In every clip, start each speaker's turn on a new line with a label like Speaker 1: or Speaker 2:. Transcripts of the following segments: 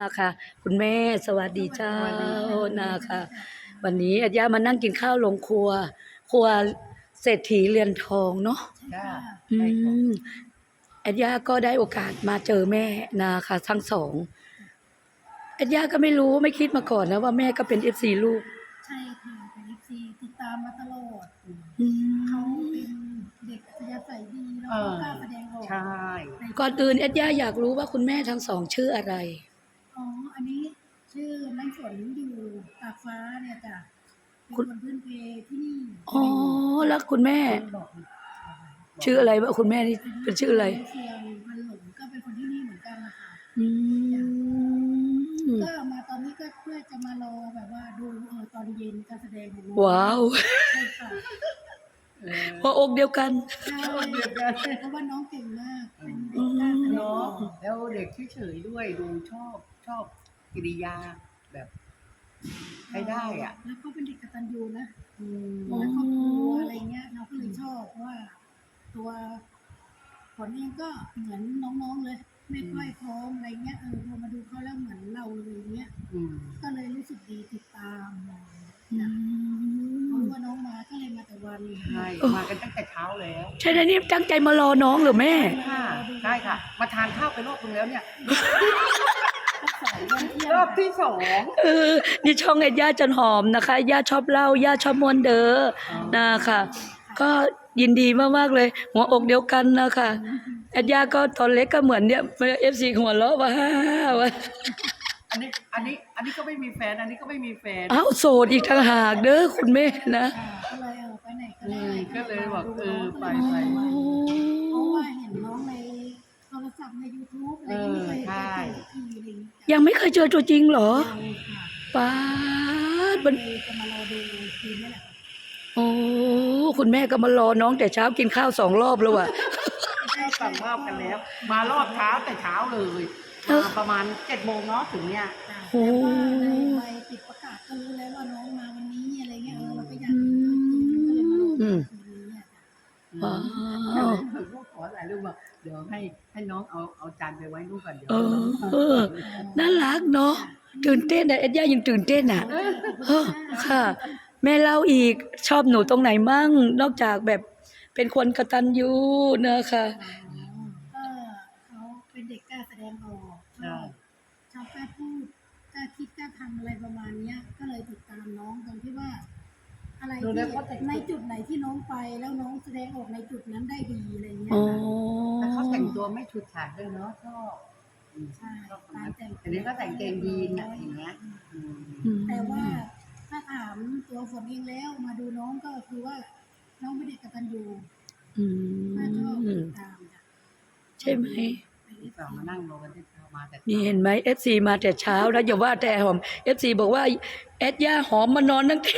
Speaker 1: นะคะคุณแม่สวัสดีเจ้า
Speaker 2: สวัสดีค่ะ
Speaker 1: นะคะวันนี้อาญามานั่งกินข้าวลงครัวครัวเศรษฐีเรือนทองเนาะ
Speaker 2: จ้า
Speaker 1: อื
Speaker 2: ใช่ค่ะ
Speaker 1: มอาญาก็ได้โอกาสมาเจอแม่นะคะทั้งสองอาญาก็ไม่รู้ไม่คิดมาก่อนนะว่าแม่ก็เป็นFCลูก
Speaker 2: ใช่ค่ะเป็นFCติดตามมาตลอด
Speaker 1: อื
Speaker 2: เขา
Speaker 1: ม
Speaker 2: เป็นเด็กอัธยาศัยดีแล้วก็กล้าแสดงออก
Speaker 3: ใช่
Speaker 2: ใน
Speaker 1: ก่อนอื่นอาญาอยากรู้ว่าคุณแม่ทั้งสองชื่ออะไร
Speaker 2: อ๋ออันนี้ชื่อน้ำฝนอยู่ตากฟ้าเนี่ยจ้ะเป็นคนพื้นเพที่นี่
Speaker 1: อ๋อแล้วคุณแม่
Speaker 3: บอก
Speaker 1: ชื่ออะไรวะคุณแม่นี่เป็นชื่ออะไร
Speaker 2: เชียงพันหลงก็เป็นคนที่นี่เหมือนกันนะคะ
Speaker 1: อืม
Speaker 2: ก็มาตอนนี้ก็เพื่อจะมารอแบบว่าดูตอนเย็นการแสดงของน้อง
Speaker 1: ว้าว
Speaker 2: ใช่ค่ะ
Speaker 1: หัวอกเดียวกัน
Speaker 2: ใช่เพราะว่าน้องเก่งมากเป็นเด็กกล้าแสดง
Speaker 3: เนาะ
Speaker 2: ออก
Speaker 3: แล้วเด็กเฉยๆด้วยดูชอบกิริยาแบบใช้ได้อ่ะ
Speaker 2: แล้วก็เป็นเด็กกตัญญูนะ
Speaker 3: อืม
Speaker 2: แล้วครอบครัวอะไรเงี้ยเราก็เลยชอบเพราะว่าตัวผลเองก็เหมือนน้องๆเลยไม่ค่อยพร้อมอะไรเงี้ยพอมาดูเขาแล้วเหมือนเราเลยเงี้ย
Speaker 3: อืม
Speaker 2: ก็เลยรู้สึกดีติดตามอะไรเงี้ย
Speaker 1: อื
Speaker 2: จ้ะเพ
Speaker 1: ม
Speaker 2: ราะว่าน้องมาก็เลยมาแต่วัน
Speaker 3: ใช่มากันตั้งแต่เช้าแล้ว
Speaker 1: ใช่นะนี่ตั้งใจมารอน้องเหรือแม่
Speaker 3: ค่ะใช่ค่ะ มาทานข้าวไปรอบนึงแล้วเนี่ย
Speaker 2: ก็สายวันเที่ย
Speaker 3: รอบที่สอง
Speaker 1: เออนี่ช่องเอ็ดย่าจันหอมนะคะย่าชอบเล่าย่าชอบมวนเด้อนะคะก็ยินดีมากๆเลย หัวอกเดียวกันนะคะเอ็ดย่าก็ตอนเล็กก็เหมือนเนี่ยFCหัวเราะว่าฮ่าว่า
Speaker 3: อันนี้ก็ไม่มีแฟน อันนี้ก็ไม่มีแฟน
Speaker 1: อ้าวโสดอีกต่างหากเด้อคุณแม่นะ
Speaker 2: ก็เลยไปไหนก็ได้
Speaker 3: ก็เลยบอกไป
Speaker 2: เพราะว่าเห็นน้องในโทรศัพท์ใน YouTube อะไรอย่างเงี้ยไม่เคยเห็นตัวจริงสักทีอะไรอย่างเงี้ย
Speaker 1: ยังไม่เคยเจอตัวจริงเหรอ
Speaker 2: ยังค่ะ
Speaker 1: ป้าด
Speaker 2: ก็
Speaker 1: มัน
Speaker 2: เลยจะมารอดูทีนี้แหละ
Speaker 1: โอ้คุณแม่ก็มารอน้องแต่เช้ากินข้าว2 รอบแล้วอ่ะ
Speaker 3: ก็สั่งรอบกันแล้ว มารอบเช้าแต่เช้าเลยมาประมาณ7 โมงเนาะถึงเนี่ย
Speaker 2: จ้ะ
Speaker 1: โอ้
Speaker 2: แต่ว่าในใบติดประกาศก็รู้แล้วว่าน้องมาวันนี้อะไรเงี้ยเราก็อยากเห็นตัวจริงก็เลยมารอดูทีนี้อ่ะจ้ะ
Speaker 1: ว้าว
Speaker 3: ก็ขอถ่ายรูปว่าเดี๋ยวให้น้องเอาจานไปไว้นู่นก่อนเดี๋ยว
Speaker 1: เออน่ารักเนาะตื่นเต้นอ่ะเอ็ดย่ายังตื่นเต้นอ่ะเออค่ะ แม่เล่าอีกชอบหนูตรงไหนมั่งนอกจากแบบเป็นคนกตัญญูนะคะ
Speaker 2: ก็เขาเป็นเด็กกล้าแสดงออกชอบกล้าพูดกล้าคิดกล้าทำอะไรประมาณเนี้ย ก็เลยติดตามน้องตรงที่ว่า อะไรที่ในจุดไหนที่น้องไปแล้วน้องแสดงออกในจุดนั้นได้ดีอะไรเงี้ย
Speaker 1: อ๋อ
Speaker 3: แต่เขาแต่งตัวไม่ชุดฉาดด้วยเนาะชอบ
Speaker 2: ใช่
Speaker 3: ชอบ
Speaker 2: การแต่ง
Speaker 3: อันนี้ก็แต่งเกงยีนอะอย่างเงี้ย
Speaker 2: แต่ว่าถ้าถามตัวฝนเองแล้วมาดูน้องก็คือว่า น้องเป็นเด็กกตัญญู
Speaker 1: อื
Speaker 2: น่าชอบติ
Speaker 1: ม
Speaker 2: ดตามจ้ะ
Speaker 1: ใช่ไหม
Speaker 3: ที่สองมานั่งรอกันที่เช้ามาแต่
Speaker 1: นี่เห็นไหม FC มาแต่เช้านะอย่าว่าแต่หอม FC บอกว่าแอดย่าหอมมานอนตั้งแต่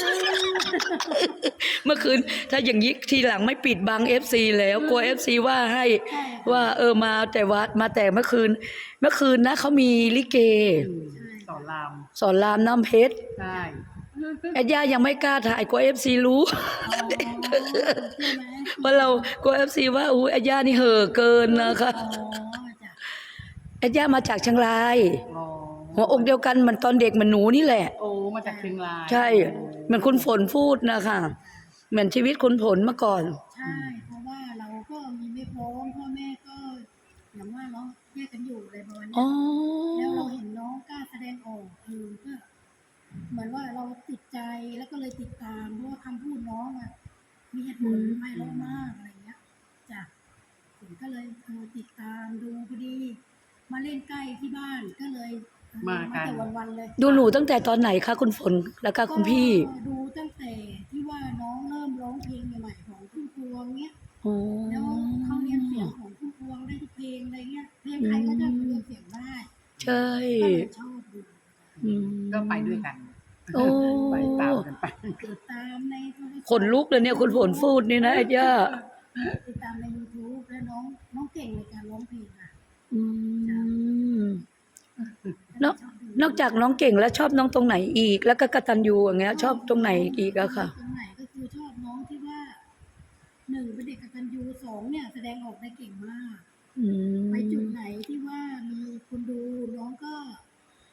Speaker 1: เมื่อคืนถ้าอย่างนี้ทีหลังไม่ปิดบัง FC แล้วกลัว FC ว่าให้ว่ามาแต่วัดมาแต่เมื่อคืนนะเขามีลิเก
Speaker 3: สอนราม
Speaker 1: สอนรามน้ำเพชร
Speaker 3: ใช่
Speaker 1: แอดย่ายังไม่กล้าถ่ายกลัว FC รู้
Speaker 2: ใช่ไหม
Speaker 1: ว่าเรากลัว FC ว่าอู้แอดย่านี่เห่อเกินนะคะ
Speaker 2: อ๋อจ้ะ
Speaker 1: แอดย่ามาจากเชียงราย
Speaker 3: อ๋อ
Speaker 1: หัวอกเดียวกันเหมือนตอนเด็กเหมือนหนูนี่แหละ
Speaker 3: โอ้มาจากเชียงราย
Speaker 1: ใช่เหมือนคุณฝนพูดนะคะเหมือนชีวิตคุณฝนเมื่อก่อน
Speaker 2: ใช่ เพราะว่าเราก็มีไม่พร้อมพ่อแม่ก็อย่างว่าเนาะแยกกันอยู่อะไรประมาณ
Speaker 1: อ๋อ
Speaker 2: เนี้ยแล้วเราเห็นน้องกล้าแสดงออกก็เหมือนว่าเราติดใจแล้วก็เลยติดตามเพราะว่าคำพูดน้องอ่ะมีเหตุผลไม่ร้อนมากอะไรเงี้ยจ้ะผมก็เลยติดตามดูพอดี มาเล่นใกล้ที่บ้านก็เลยมาแต่วันๆเลย
Speaker 1: ดูหนูตั้งแต่ตอนไหนคะคุณฝนแล้วก็คุณพี่
Speaker 2: ก็ดูตั้งแต่ที่ว่าน้องเริ่มร้องเพลงใหม่ๆของพุ่มพวงเนี้ย
Speaker 1: อ๋อ
Speaker 2: แล้วเขาเรียนเสียงของพุ่มพวงได้ทุกเพลงอะไรเงี้ยเพลงไทยก็จะเรียนเสียงได้
Speaker 1: ใช่
Speaker 2: ก็เลยชอบดู
Speaker 1: อืม
Speaker 3: ก็ไปด้วยกัน
Speaker 1: โอ้
Speaker 3: ไปตามกันไป
Speaker 2: ติดตามในโทรศัพท์
Speaker 1: ขนลุกเลยเนี่ยคุณฝนพูดนี่นะไอ้ย่า
Speaker 2: ติดตามใน YouTube แล้วน้องเก่งในการร้องเพลงอ่ะ
Speaker 1: อืมนอกจากน้องเก่งแล้วชอบน้องตรงไหนอีก แล้วก็กตัญญูอย่างเงี้ย ชอบตรงไหนอีกอะค่ะ
Speaker 2: ตรงไหนก็คือชอบน้องที่ว่าหนึ่งเป็นเด็กกตัญญูสองเนี่ยแสดงออกได้เก่งมาก
Speaker 1: อืม
Speaker 2: ไปจุดไหนที่ว่ามีคนดูน้องก็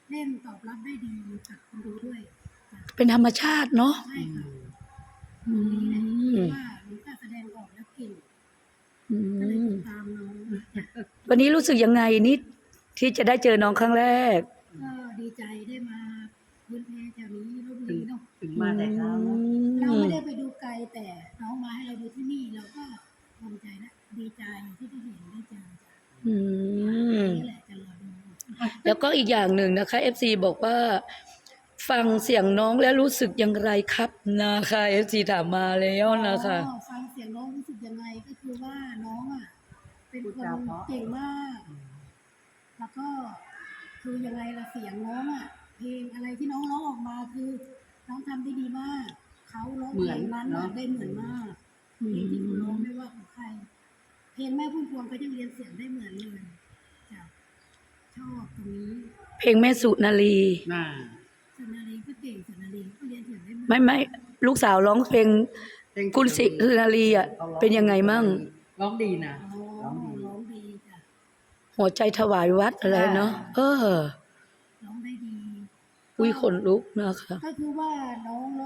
Speaker 2: เล่นตอบรับได้ดีกับคนดูด้วยจ้ะ
Speaker 1: เป็นธรรมชาติเนาะ
Speaker 2: ใช่ค่ะ
Speaker 1: อื
Speaker 2: นี่แหละ
Speaker 1: ม
Speaker 2: ว่าหนูกล้าแสดงออกแล้วเก่ง
Speaker 1: อื
Speaker 2: ก็เลย
Speaker 1: ม
Speaker 2: ติดตามน้อง
Speaker 1: วันนี้รู้สึกยังไงนิดที่จะได้เจอน้องครั้งแรก
Speaker 2: ก็ดีใจได้มาพื้นเพแถวนี้ลพบุรีเนาะ
Speaker 3: ถึงมาแต่เช้าเนอะ
Speaker 2: เราไม่ได้ไปดูไกลแต่น้องมาให้เราดูที่นี่เราก็ภูมิใจและดีใจที่ได้เห็นได้เจอจ้ะ
Speaker 1: อืม
Speaker 2: นี่แหละจะรอดู
Speaker 1: แล้วก็อีกอย่างหนึ่งนะคะ FC บอกว่า ฟังเสียงน้องแล้วรู้สึกอย่างไรครับนะคะ FC ถามมาแล้วนะคะ
Speaker 2: อ๋อฟังเสียงน้องรู้สึกยังไงก็คือว่าน้องอ่ะเป็นคนเก่งมาก แล้วก็คือยังไงล่ะเสียงน้องอ่ะเพลงอะไรที่น้องร้องออกมาคือน้องทำได้ดีมากเขาร้องเพลงนั้นน่ะได้เหมือนมากเพลงที่เขาร้องไม่ว่าของใคร เพลงแม่พุ่มพวงก็ยังเรียนเสียงได้เหมือนเลยจ้ะชอบตรงนี้
Speaker 1: เพลงแม่สุนารี
Speaker 3: น่า
Speaker 2: สุนารีก็เก่งสุนารีก็เรียนเสียงได้เหมือน
Speaker 1: ไม่ลูกสาวร้องเพลงคุณสิสุนารีอ่ะเป็นยังไงมั่ง
Speaker 3: ร้องดีนะ
Speaker 2: อ๋อ
Speaker 3: ร้องดี
Speaker 2: ร้องดีจ้ะ
Speaker 1: หัวใจถวายวัดอะไรเนาะ
Speaker 2: ร้องได้ดี
Speaker 1: อุ้ยขนลุกนะคะ
Speaker 2: ก็คือว่าน้อง